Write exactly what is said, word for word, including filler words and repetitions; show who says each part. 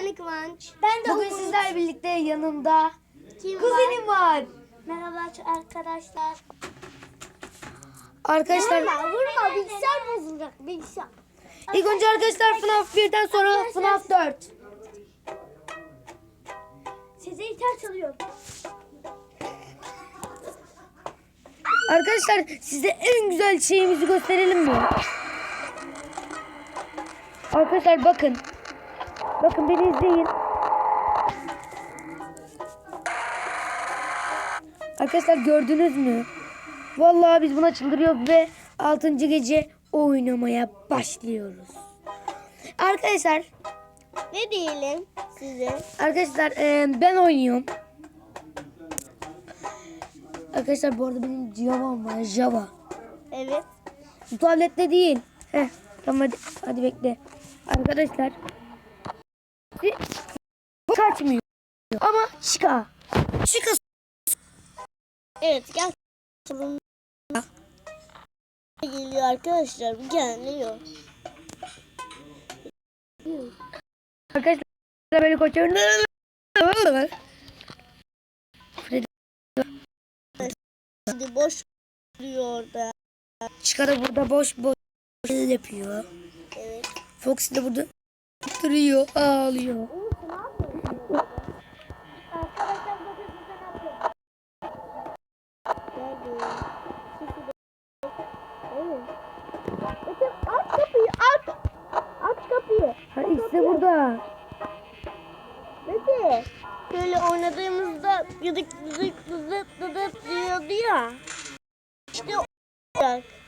Speaker 1: Ben Kıvanç.
Speaker 2: Ben de
Speaker 3: Bugün
Speaker 2: Umut.
Speaker 3: sizlerle birlikte yanımda
Speaker 1: Kim
Speaker 3: kuzenim var.
Speaker 1: Merhaba arkadaşlar.
Speaker 3: Arkadaşlar
Speaker 1: Vurma vurma bilgisayar bozulacak bilgisayar.
Speaker 3: ilk önce arkadaşlar FNAF birden sonra FNAF dört.
Speaker 1: Size gitar çalıyor.
Speaker 3: Arkadaşlar size en güzel şeyimizi gösterelim mi? Arkadaşlar bakın. Bakın beni izleyin. Arkadaşlar gördünüz mü? Vallahi biz buna çıldırıyoruz ve altıncı gece oynamaya başlıyoruz. Arkadaşlar
Speaker 1: Ne diyelim size?
Speaker 3: Arkadaşlar e, ben oynuyorum. Arkadaşlar bu arada benim Java'm var. Java.
Speaker 1: Evet.
Speaker 3: Bu tablette değil. Heh, tamam hadi, hadi bekle. Arkadaşlar. Bu kaçmıyor. Ama çıka. Çıka.
Speaker 1: Evet gel. Geliyor arkadaşlar geliyor.
Speaker 3: Arkadaşlar böyle koşuyorum.
Speaker 1: Şimdi boş duruyor orada.
Speaker 3: Çıka da burada boş boş yapıyor.
Speaker 1: Evet.
Speaker 3: Fox de burada duruyor, ağlıyor.
Speaker 1: Arkadaşlar bakın size ne yapıyorum. Nerede? Evet. Bakın aç kapıyı aç. Aç kapıyı.
Speaker 3: Ha işte burada.
Speaker 1: Peki. Böyle oynadığımızda yıdık yıdık yıdık yıdık diyordu ya. İşte o olacak.